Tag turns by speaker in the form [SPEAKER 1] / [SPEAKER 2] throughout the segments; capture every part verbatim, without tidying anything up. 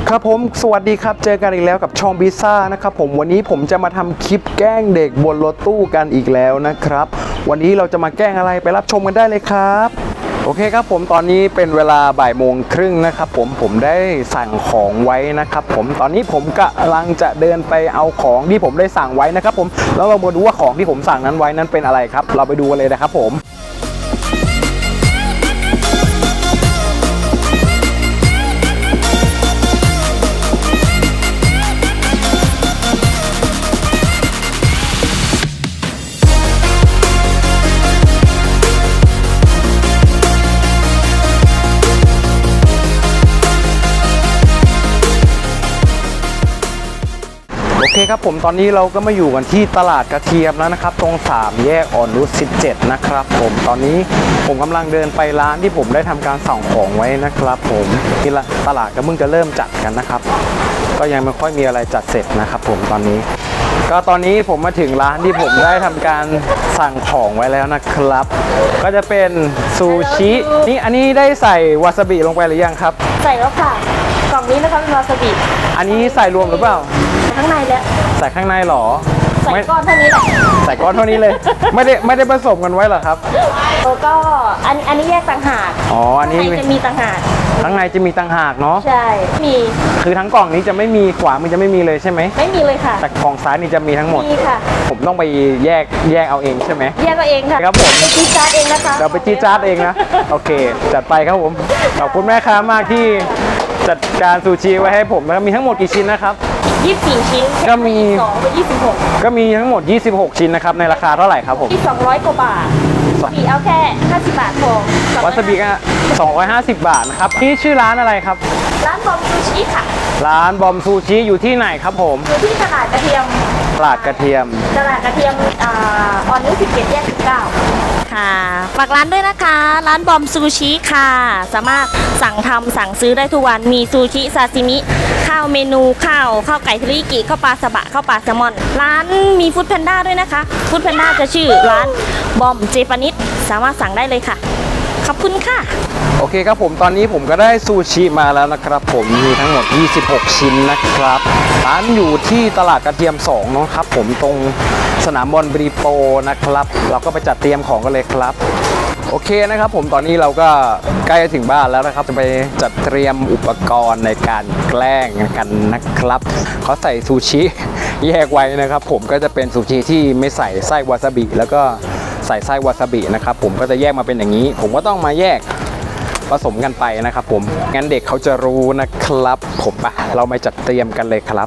[SPEAKER 1] ครับผมสวัสดีครับเจอกันอีกแล้วกับช่องพิซซ่านะครับผมวันนี้ผมจะมาทำคลิปแกล้งเด็กบนรถตู้กันอีกแล้วนะครับวันนี้เราจะมาแกล้งอะไรไปรับชมกันได้เลยครับโอเคครับผมตอนนี้เป็นเวลาบ่ายโมงครึ่งนะครับผมผมได้สั่งของไว้นะครับผมตอนนี้ผมกำลังจะเดินไปเอาของที่ผมได้สั่งไว้นะครับผมแล้วเรามาดูว่าของที่ผมสั่งนั้นไว้นั้นเป็นอะไรครับเราไปดูกันเลยนะครับผมโอเคครับผมตอนนี้เราก็มาอยู่กันที่ตลาดกระเทียมแล้วนะครับตรงสามแยกอ่อนนุชสิบเจ็ดนะครับผมตอนนี้ผมกำลังเดินไปร้านที่ผมได้ทำการสั่งของไว้นะครับผมที่ตลาดก็เพิ่งจะเริ่มจัดกันนะครับก็ยังไม่ค่อยมีอะไรจัดเสร็จนะครับผมตอนนี้ก็ตอนนี้ผมมาถึงร้านที่ผมได้ทำการสั่งของไว้แล้วนะครับก็จะเป็นซูชินี่อันนี้ได้ใส่วาซาบิลงไปหรือยังครับ
[SPEAKER 2] ใส่แล้วค่ะกล่องนี้นะคะเป็นวาซาบิ
[SPEAKER 1] อันนี้ใส่รวมหรือเปล่า
[SPEAKER 2] ข้างในแล้ว
[SPEAKER 1] ใส่ข้างในหรอ
[SPEAKER 2] ใส่ก้อนเท่านี้แหละ
[SPEAKER 1] ใส่ก้อนเท่านี้เลยไม่ได้ไม่ได้ผสมกันไว้หรอครับ
[SPEAKER 2] แล้วก็อันอันนี้แยกต่างหาก
[SPEAKER 1] อ๋ออันนี้
[SPEAKER 2] จะมีต่างหาก
[SPEAKER 1] ข้างในจะมีต่างหากเนาะ
[SPEAKER 2] ใช่มี
[SPEAKER 1] คือทั้งกล่องนี้จะไม่มีขวามันจะไม่มีเลยใช่ไหม
[SPEAKER 2] ไม่มีเลยค่ะ
[SPEAKER 1] แต่กล่องซ้ายนี่จะมีทั้งหมด
[SPEAKER 2] มีค่ะ
[SPEAKER 1] ผมต้องไปแยกแยกเอาเองใช่ไหม
[SPEAKER 2] แยกเอาเองค่ะ
[SPEAKER 1] ครับผม
[SPEAKER 2] ไปจีจาร์ดเองนะคะ
[SPEAKER 1] เราไปจีจาร์ดเองนะโอเคจัดไปครับผมขอบคุณแม่ค้ามากที่จัดการซูชิไว้ให้ผมแล้วมีทั้งหมดกี่ชิ้นนะครับ
[SPEAKER 2] ยี่สิบสี่ชิ้น
[SPEAKER 1] ก็มี
[SPEAKER 2] สองเป็นยี่สิบหก
[SPEAKER 1] ก็มีทั้งหมดยี่สิบหกชิ้นนะครับในราคาเท่าไหร่ครับผม
[SPEAKER 2] ที่สองร้อยกว่าบาทมีเอาแค่ห้าสิบบาทพอ
[SPEAKER 1] วาซาบิก็สองร้อยห้าสิบบาทนะครับนี่ชื่อร้านอะไรครับ
[SPEAKER 2] ร้านบอมซูชิค่ะ
[SPEAKER 1] ร้านบอมซูชิอยู่ที่ไหนครับผม
[SPEAKER 2] อยู่ที่ตลาดกระเทียม
[SPEAKER 1] ตลาดกระเทียม
[SPEAKER 2] ตลาดกระเทียมอ่าออนนุชสิบเจ็ดแยกสิบเก้าค่ะฝากร้านด้วยนะคะร้านบอมซูชิค่ะสามารถสั่งทำสั่งซื้อได้ทุกวันมีซูชิซาซิมิข้าวเมนูข้าวข้าวไก่เทริยากิข้าวปลาสบะข้าวปลาแซลมอนร้านมีฟู้ดแพนด้าด้วยนะคะฟู้ดแพนด้าจะชื่อร้านบอมเจแปนิสสามารถสั่งได้เลยค่ะขอบคุณค่ะ
[SPEAKER 1] โอเคครับผมตอนนี้ผมก็ได้ซูชิมาแล้วนะครับผมมีทั้งหมดยี่สิบหกชิ้นนะครับร้านอยู่ที่ตลาดกระเทียมสองนะครับผมตรงสนามบอลบรีโปนะครับเราก็ไปจัดเตรียมของกันเลยครับโอเคนะครับผมตอนนี้เราก็ใกล้จะถึงบ้านแล้วนะครับจะไปจัดเตรียมอุปกรณ์ในการแกล้งกันนะครับเขาใส่ซูชิแยกไว้นะครับผมก็จะเป็นซูชิที่ไม่ใส่ไส้วาซาบิแล้วก็ใส่ไส้วาซาบินะครับผมก็จะแยกมาเป็นอย่างนี้ผมก็ต้องมาแยกผสมกันไปนะครับผมงั้นเด็กเขาจะรู้นะครับผมปะเรามาจัดเตรียมกันเลยครับ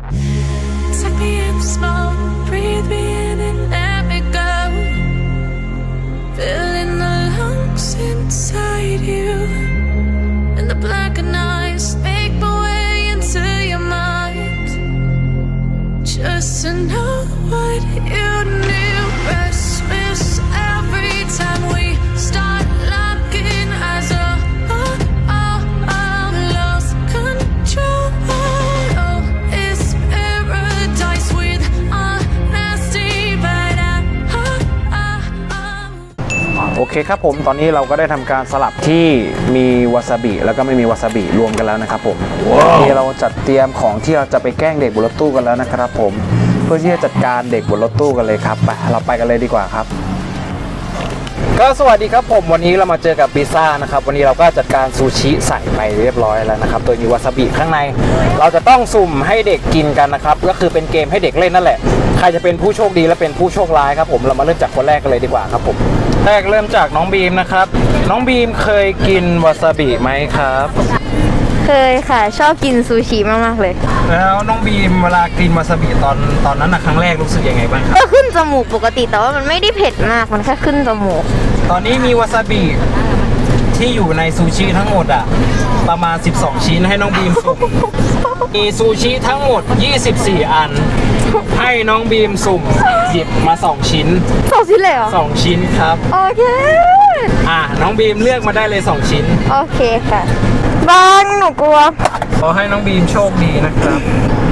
[SPEAKER 3] Just to know what you knew. Restless every time we start locking eyes. Oh, oh, oh, oh, lost control. Oh, it's paradise with honesty, but I, oh, oh, oh.
[SPEAKER 1] โอเคครับผมตอนนี้เราก็ได้ทำการสลับที่มีวาซาบิแล้วก็ไม่มีวาซาบิรวมกันแล้วนะครับผม wow. ที่เราจัดเตรียมของที่เราจะไปแกล้งเด็กบนรถตู้กันแล้วนะครับผมเพื่อที่จะจัดการเด็กบนรถตู้กันเลยครับไปเราไปกันเลยดีกว่าครับก็สวัสดีครับผมวันนี้เรามาเจอกับพิซซ่านะครับวันนี้เราก็จัดการซูชิใส่ไปเรียบร้อยแล้วนะครับโดยมีวาซาบิข้างในเราจะต้องสุ่มให้เด็กกินกันนะครับก็คือเป็นเกมให้เด็กเล่นนั่นแหละใครจะเป็นผู้โชคดีและเป็นผู้โชคร้ายครับผมเรามาเริ่มจากคนแรกกันเลยดีกว่าครับผมแรกเริ่มจากน้องบีมนะครับน้องบีมเคยกินวาซาบิไหมครับ
[SPEAKER 4] เคยค่ะชอบกินซูชิมากๆเลย
[SPEAKER 1] แล้วน้องบีมเวลากินวาซาบิตอนตอนนั้นนะครั้งแรกรู้สึกยังไงบ้างครับ
[SPEAKER 4] ก็ขึ้นจมูกปกติแต่ว่ามันไม่ได้เผ็ดมากมันแค่ขึ้นจมูก
[SPEAKER 1] ตอนนี้มีวาซาบิที่อยู่ในซูชิทั้งหมดอ่ะประมาณสิบสองชิ้นให้น้องบีมสุ่มมีซูชิทั้งหมดยี่สิบสี่อันให้น้องบีมสุ่มหยิบมาสองชิ้น
[SPEAKER 4] สองชิ้นเลยเหรอ
[SPEAKER 1] สองชิ้นครับ
[SPEAKER 4] โอเค
[SPEAKER 1] อ่ะน้องบีมเลือกมาได้เลยสองชิ้น
[SPEAKER 4] โอเคค่ะบ้างหนูกลัว
[SPEAKER 1] ขอให้น้องบีมโชคดีนะครับ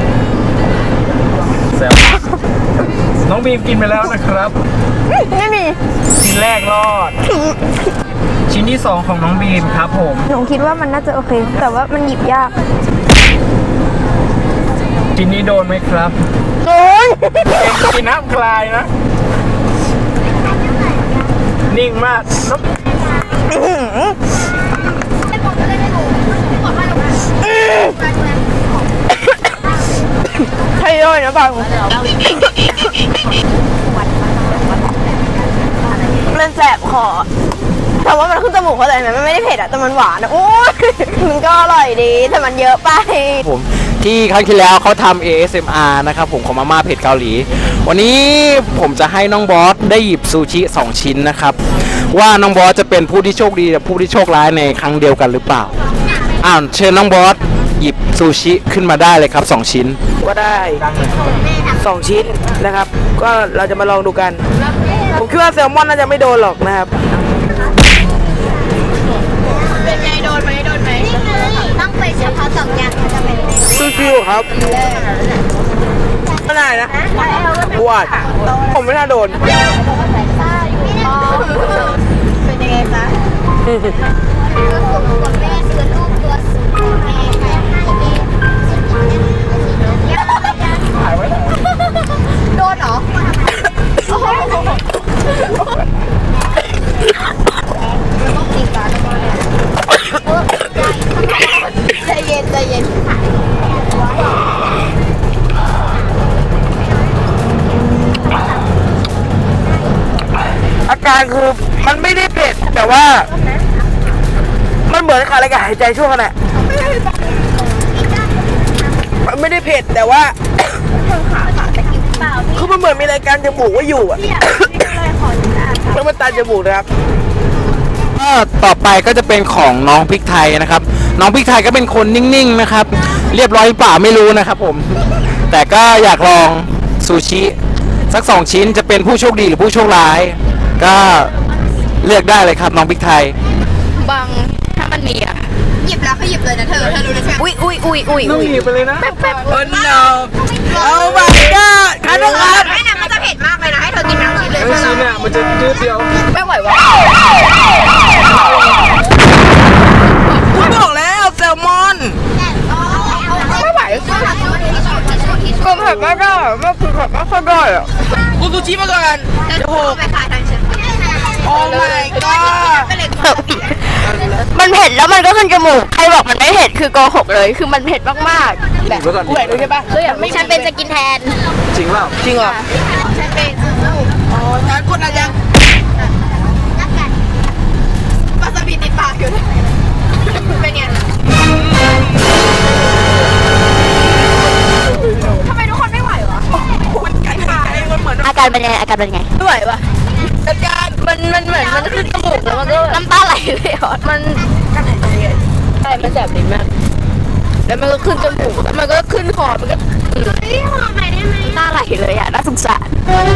[SPEAKER 1] แซวน้องบีมกินไปแล้วนะครับ
[SPEAKER 4] ไม่มี
[SPEAKER 1] ชิ้นแรกรอดชิ้นที่สองของน้องบีมครับผม
[SPEAKER 4] หนูคิดว่ามันน่าจะโอเคแต่ว่ามันหยิบยาก
[SPEAKER 1] กินนี้โดนไหมครับ
[SPEAKER 4] โดน
[SPEAKER 1] กินน้ำคลายนะ นิ่งมากน้ำ
[SPEAKER 4] ใช่เลยนะบังมันแสบคอแต่ว่ามันขึ้นจมูกเพราะอะไรไหมมันไม่ได้เผ็ดอะแต่มันหวานอะโอ้ยมันก็อร่อยดีแต่มันเยอะไป
[SPEAKER 1] ผมที่ครั้งที่แล้วเขาทำ เอ เอส เอ็ม อาร์ นะครับผมของมาม่าเผ็ดเกาหลี วันนี้ผมจะให้น้องบอสได้หยิบซูชิสองชิ้นนะครับ ว่าน้องบอสจะเป็นผู้ที่โชคดีกับผู้ที่โชคร้ายในครั้งเดียวกันหรือเปล่าอ้าวเชิญน้องบอสหยิบซูชิขึ้นมาได้เลยครับสองชิ้น
[SPEAKER 5] ก็ได้สองชิ้นนะครับ ก็เราจะมาลองดูกัน ผมคิดว่าแซลมอนน่าจะไม่โดนหรอกนะครับ
[SPEAKER 4] เป็นไงโดนไหมโดนไหมต้องไปเฉพาะสองอย่างจะเป็น
[SPEAKER 5] ฟิวๆครับไม่ได้นะวาดผมไม่น่าโดน
[SPEAKER 4] เป็นยังไงจ๊ะตัวแม่คือลูกตัวสูงแม่แม่ให้แม่โดนเหรอใจเย็นใจเย็น
[SPEAKER 5] อาการคือมันไม่ได้เผ็ดแต่ว่า มันเหมือนขาดอากาศหายใจช่วงขณะมันไม่ได้เผ็ดแต่ว่า คือมันเหมือนมีรายการจมูกไว้อยู่อะแล้วมันตาจมูกนะครับ
[SPEAKER 1] ก็ต่อไปก็จะเป็นของน้องพริกไทยนะครับ น้องพริกไทยก็เป็นคนนิ่งๆนะครับ เรียบร้อยหรือเปล่าไม่รู้นะครับผม แต่ก็อยากลองซูชิสักสองชิ้นจะเป็นผู้โชคดีหรือผู้โชคร้าย ก็เลือกได้เลยครับน้องพริกไทย
[SPEAKER 4] บังถ้ามันมีอ่ะหยิบแล้วก็หยิบเลยนะเธอเธอรู้เลยใช่ไหมอุ้ยอุ้ยอุ้ยอุ้ย
[SPEAKER 1] ต้องหยิบไปเลยนะ
[SPEAKER 4] แป๊บแป๊บ
[SPEAKER 5] โอ้โนโอ้ my god คันนะครับ
[SPEAKER 4] ไม่นะมันจะเผ็ดมากเลยนะให้เธอกินทั้งชิ้นเลย
[SPEAKER 1] ไอ้ชิ้นเนี่ยมันจะยืดเดียว
[SPEAKER 4] ไม่ไหววะ
[SPEAKER 5] ผมบอกแล้วแซลมอน
[SPEAKER 4] ไม่ไหวก็เผ็ดไม่ได้ไม่คือเผ็ดไม่ค่อยได้อะ
[SPEAKER 5] กูซูชิมาก่อนจะหก
[SPEAKER 4] ไปขายทางเชียง
[SPEAKER 5] โอ้ my god
[SPEAKER 4] มันเผ็ดแล้วมันก็ขึ้นจมูก ใครบอกมันไม่เผ็ดคือโกหกเลย คือมันเผ็ดมากๆ
[SPEAKER 1] หยิบไว้ก่อน
[SPEAKER 5] กูเห็นด้วยใช่ปะ
[SPEAKER 4] ฉันเป็นสกินแทน
[SPEAKER 1] จริงเปล่า
[SPEAKER 5] จริงเหรอ
[SPEAKER 4] ฉันเป็น
[SPEAKER 5] อ๋อฉันกดอะไรยัง
[SPEAKER 4] ปลาสบิดติดปากอยู่เป็นไงทำไมทุกคนไม่ไหววะ
[SPEAKER 5] มันไก่ไก่มันเหมือน
[SPEAKER 2] อาการเป็นยังไงอาการเป็นยังไง
[SPEAKER 4] ไม่ไหววะ
[SPEAKER 5] จัดการ
[SPEAKER 4] มันมันเหมือนมันขึ้นจมูกแล้วมันก็น้ำตาไหลเลยอ่ะมันใช่มันแสบลิ้นมากแล้วมันก็ขึ้นจมูกแล้วมันก็ขึ้นคอมันก็เฮ้ยหอมหน่อยได้ไหมน้ำตาไหลเลยอ่ะน่าสงสาร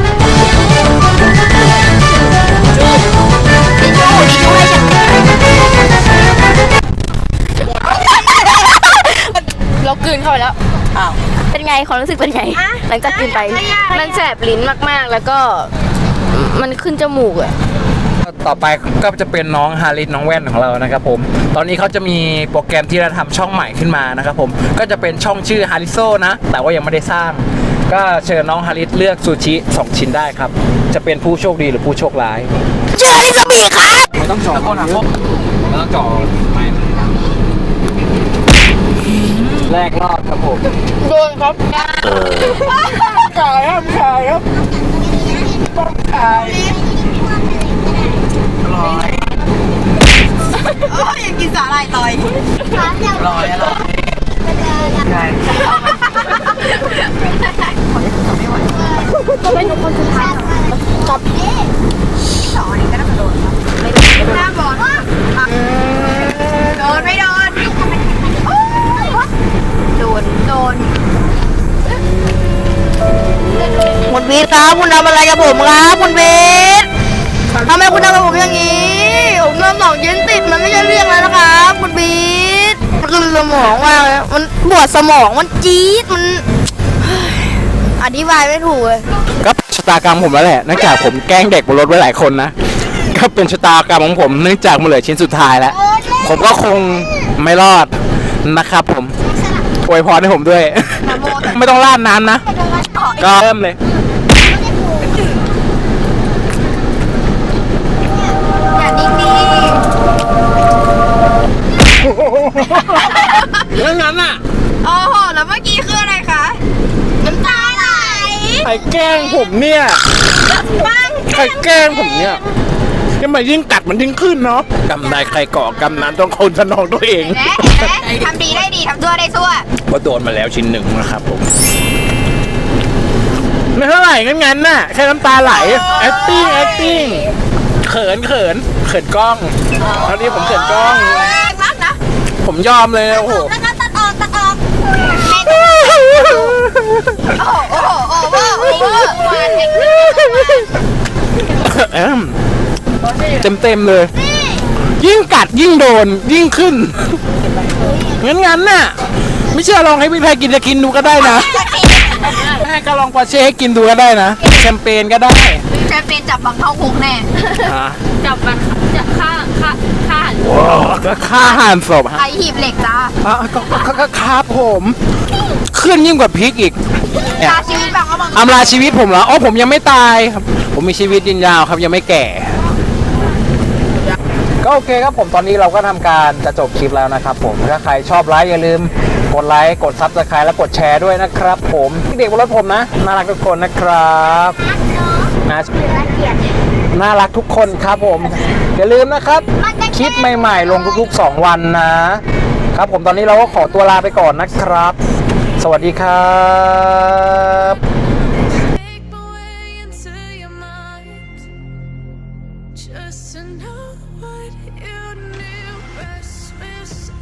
[SPEAKER 4] ดิชูดิชูให้ฉันเรากลืนเข้าไปแล้ว
[SPEAKER 5] อ้าว
[SPEAKER 2] เป็นไงความรู้สึกเป็นไง หลังจากกินไป
[SPEAKER 4] มันแสบลิ้นมากๆแล้วก็มันขึ้นจมูกอ่ะ
[SPEAKER 1] ต่อไปก็จะเป็นน้องฮาริสน้องแว่นของเรานะครับผม ตอนนี้เขาจะมีโปรแกรมที่จะทำช่องใหม่ขึ้นมานะครับผม ก็จะเป็นช่องชื่อฮาริโซนะ แต่ว่ายังไม่ได้สร้าง ก็เชิญน้องฮาริสเลือกซูชิสองชิ้นได้ครับ จะเป็นผู้โชคดีหรือผู้โชคร้าย
[SPEAKER 4] เจอที่สบีครับ
[SPEAKER 1] ไม่ต้องจ่อเขานะไม่ต้องจ่อไม่แรกรอบครับผม
[SPEAKER 5] โดนครับขายครับขายครับต้องขายอร่อย
[SPEAKER 4] โอ้ยอยากกินสาหร่ายลอย
[SPEAKER 5] อร่อยอร่อยใช่
[SPEAKER 4] เป็นคนสุดท้ายกับสองอันนี้ก็น่าจะโดนไม่โดนหน้าบอลโดนไม่โดนโดนโดนคุณวีทครับคุณทำอะไรกับผมครับคุณวีททำไมคุณทำกับผมอย่างนี้ผมทำสองชิ้นติดมันไม่ใช่เรื่องแล้วนะครับคุณวีทมันคือสมองมากเลยมันปวดสมองมันจี๊ดมันอธิบายไม่ถูกเลย
[SPEAKER 1] ก็ชะตากรรมผมแล้วแหละเนื่องจากผมแกล้งเด็กบนรถไว้หลายคนนะ ก็เป็นชะตากรรมของผมเนื่องจากมันเหลือชิ้นสุดท้ายแล้ว ผมก็คงไม่รอดนะครับผม โออวยพรให้ผมด้วย ไม่ต้องราดน้ำนะ ก็เริ่มเลย
[SPEAKER 4] อย่าดิ้งดี
[SPEAKER 1] แล้วงั้นอ่ะ
[SPEAKER 4] โอ้โห แล้วเมื่อกี้คืออะไรคะ น้ำตาไหล
[SPEAKER 1] ใครแกล้งผมเนี่ย
[SPEAKER 4] บ้าง
[SPEAKER 1] ใครแกล้งผมเนี่ยทำไมยิ่งกัดมันยิ่งขึ้นเนาะกำนายใครก่อกำนั้นต้องคนสนองตัวเอง
[SPEAKER 4] เห็นไหมเห็นไหมทำดีได้ดีทำชั่วได้ชั่ว
[SPEAKER 1] ก็โดนมาแล้วชิ้นหนึ่งนะครับผมไม่เท่าไหร่งั้นงั้นน่ะแค่น้ำตาไหล acting acting เขินเขินเขินกล้องตอนนี้ผมเขินกล้อง
[SPEAKER 4] แรงมากนะ
[SPEAKER 1] ผมยอมเลยโอ้โห
[SPEAKER 4] แล้วก็ตัดออกตัดออกโอ้โห โอ้โห โอ้โห โอ้โหมาเทคนิค
[SPEAKER 1] เต็มเต็มๆเลย ยิ่งกัดยิ่งโดน ยิ่งขึ้น งั้นงั้นน่ะ ไม่เชื่อลองให้พี่แพรกินจะกินดูก็ได้นะแม่ก็ลองปอร์เช่ให้กินดูก็ได้นะแชมเปญก็ได้
[SPEAKER 4] แชมเปญจับบังเข้าคุกแน่
[SPEAKER 2] จับมันจับฆ่าฆ่าฆ่า
[SPEAKER 1] ก็ฆ่าหันศพฮะ
[SPEAKER 4] ไอหีบเหล็กจ้า
[SPEAKER 1] อ่ะก็ก็ก็ครับผม ขึ้นยิ่งกว่าพริกอีกเนี่ย
[SPEAKER 4] ตาชีวิตบังก็บัง
[SPEAKER 1] อำลาชีวิตผมเหรออ๋อผมยังไม่ตายครับ ผมมีชีวิตยืนยาวครับยังไม่แก่ ก็โอเคครับผมตอนนี้เราก็ทำการจะจบคลิปแล้วนะครับผมถ้าใครชอบไลค์อย่าลืมกดไลค์กดซับสไครต์และกดแชร์ด้วยนะครับผมเด็กบนรถผมนะน่ารักทุกคนนะครับนะน่ารักทุกคนครับผมอย่าลืมนะครับคลิปใหม่ๆลงทุกๆสองวันนะครับผมตอนนี้เราก็ขอตัวลาไปก่อนนะครับ สวัสดีครับ
[SPEAKER 3] Make my way into your mind, just to know what you knew. Restless